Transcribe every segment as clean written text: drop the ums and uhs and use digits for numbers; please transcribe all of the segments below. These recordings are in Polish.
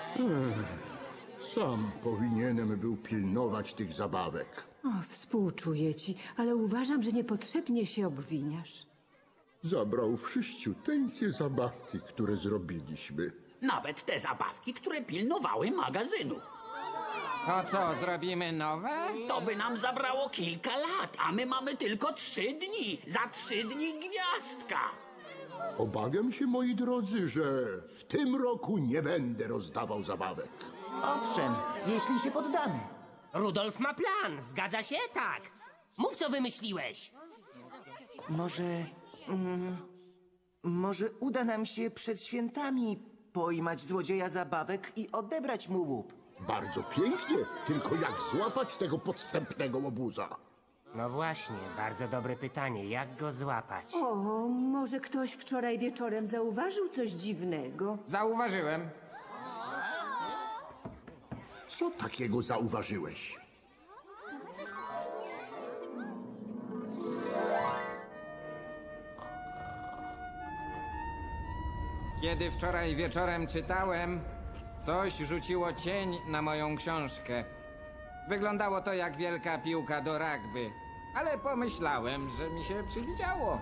Sam powinienem był pilnować tych zabawek. O, współczuję ci, ale uważam, że niepotrzebnie się obwiniasz. Zabrał wszyściuteńkie zabawki, które zrobiliśmy. Nawet te zabawki, które pilnowały magazynu. To co, zrobimy nowe? To by nam zabrało kilka lat, a my mamy tylko 3 dni. Za 3 dni gwiazdka. Obawiam się, moi drodzy, że w tym roku nie będę rozdawał zabawek. Owszem, jeśli się poddamy. Rudolf ma plan, zgadza się? Tak. Mów, co wymyśliłeś. Może uda nam się przed świętami pojmać złodzieja zabawek i odebrać mu łup. Bardzo pięknie, tylko jak złapać tego podstępnego łobuza? No właśnie, bardzo dobre pytanie. Jak go złapać? O, może ktoś wczoraj wieczorem zauważył coś dziwnego? Zauważyłem. Co takiego zauważyłeś? Kiedy wczoraj wieczorem czytałem, coś rzuciło cień na moją książkę. Wyglądało to jak wielka piłka do rugby, ale pomyślałem, że mi się przywidziało.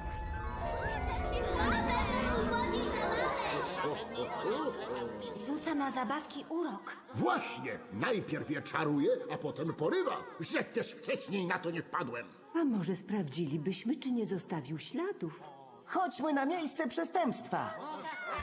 Rzuca na zabawki urok. Właśnie, najpierw je czaruje, a potem porywa, że też wcześniej na to nie wpadłem. A może sprawdzilibyśmy, czy nie zostawił śladów? Chodźmy na miejsce przestępstwa.